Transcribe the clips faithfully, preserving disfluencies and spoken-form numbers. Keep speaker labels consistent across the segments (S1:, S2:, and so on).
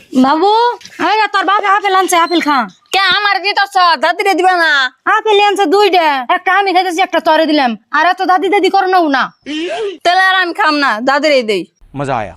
S1: বাবু এই না তোর বাবা আপেল আনছে আপেল খা
S2: কে আমার দিতেছ দাদিরে দিবে না
S1: আপেল আনছে দুইটা একটা আমি খাইতেছি একটা তোরে দিলাম আর এত দাদি দাদি করো না না
S2: তাহলে আর আমি খাম না দাদিরে দেই
S3: मजा आया।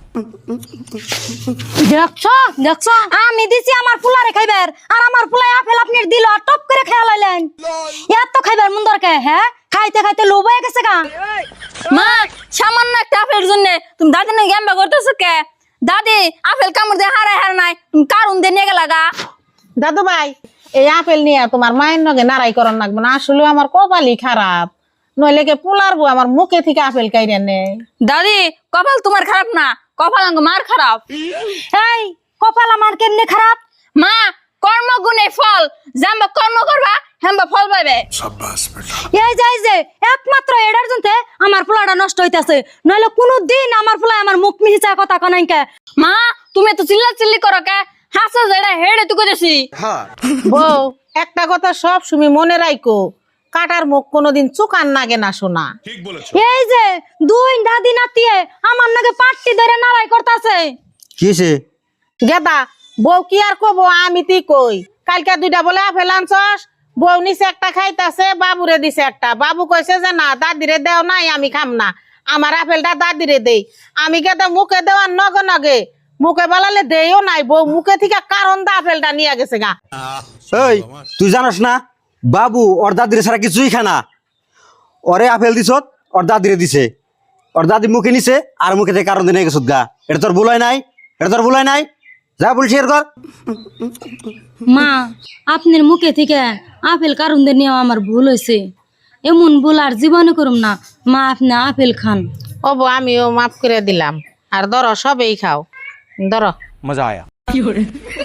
S1: দেখছো দেখছো আমি দিছি আমার ফুলারে খাইবার আর আমার ফুলাই আপেল আপনি দিল আর টপ করে খেয়া লাইলেন এত খাইবার মন দরকার হ্যাঁ খাইতে খাইতে লোভ হয়ে গেছে গা
S2: মা সামান্য একটা আপেলের জন্য তুমি দাদি না গেম্বা করতেছো কে দাদি আপেল কামড় দিয়ে হারাই হার নাই তুমি কারণ দিয়ে নিয়ে গেলা গা
S4: দাদু ভাই এই আপেল নিয়ে তোমার মায়ের নগে নারাই করন লাগবে না আসলে আমার কপালই খারাপ নইলে কে পোলারবো আমার মুখে থেকে আপেল কাইরে নেই
S2: দাদি কপাল তোমার খারাপ না কপাল আঙ্গ মার খারাপ
S1: এই কপাল আমার কেমনে খারাপ
S2: মা কর্ম গুণে ফল জাম্বা কর্ম করবা হেম্বা ফল পাইবে
S1: এই যাই যে একমাত্র এটার জন্য আমার ফুলাটা নষ্ট হইতাছে নইলে কোনোদিন আমার ফুলা আমার মুখ মিহিচা কথা কনাই কে
S2: মা তুমি তো চিল্লা চিল্লি করো কে হাসা যেটা হেড়ে তুই করেছি
S4: বউ একটা কথা সব তুমি মনে রাখো কাটার মুখ কোনোদিন চুকান নাগে না শোনা
S1: এই যে দুই দাদি নাতিয়ে আমার নাকি পাট্টি ধরে নাড়াই করতেছে
S5: কিসে
S4: গেদা বউ কি আর কব আমি তুই কই কালকে দুইটা বলে আপেল আনছস বউ নিচে একটা খাইতাছে বাবুরে দিছে একটা বাবু কইছে যে না দাদিরে দেও নাই আমি খাম না আমার আপেলটা দাদিরে দেই আমি গেদা মুখে দেওয়ার নগে নগে মুখে বলালে দেইও নাই বউ মুখে থেকে কারণ দা আপেলটা নিয়ে গেছে গা
S5: এই তুই জানোস না বাবু ওর দাদিরে ছাড়া কিছুই খানা ওরে আপেল দিছত ওর দাদিরে দিছে ওর দাদি মুখে নিছে আর মুখে থেকে কারণ দিয়ে গেছত গা এটা তোর ভুলাই নাই এটা তোর ভুলাই নাই যা বলছি এর কর
S1: মা আপনার মুখে থেকে আপেল কারণ দিয়ে নেওয়া আমার ভুল হয়েছে এমন ভুল আর জীবনে করুম না মা আপনি আপেল খান
S4: ও বউ আমিও মাফ করে দিলাম আর ধরো সবেই খাও ধরো
S3: मजा आया।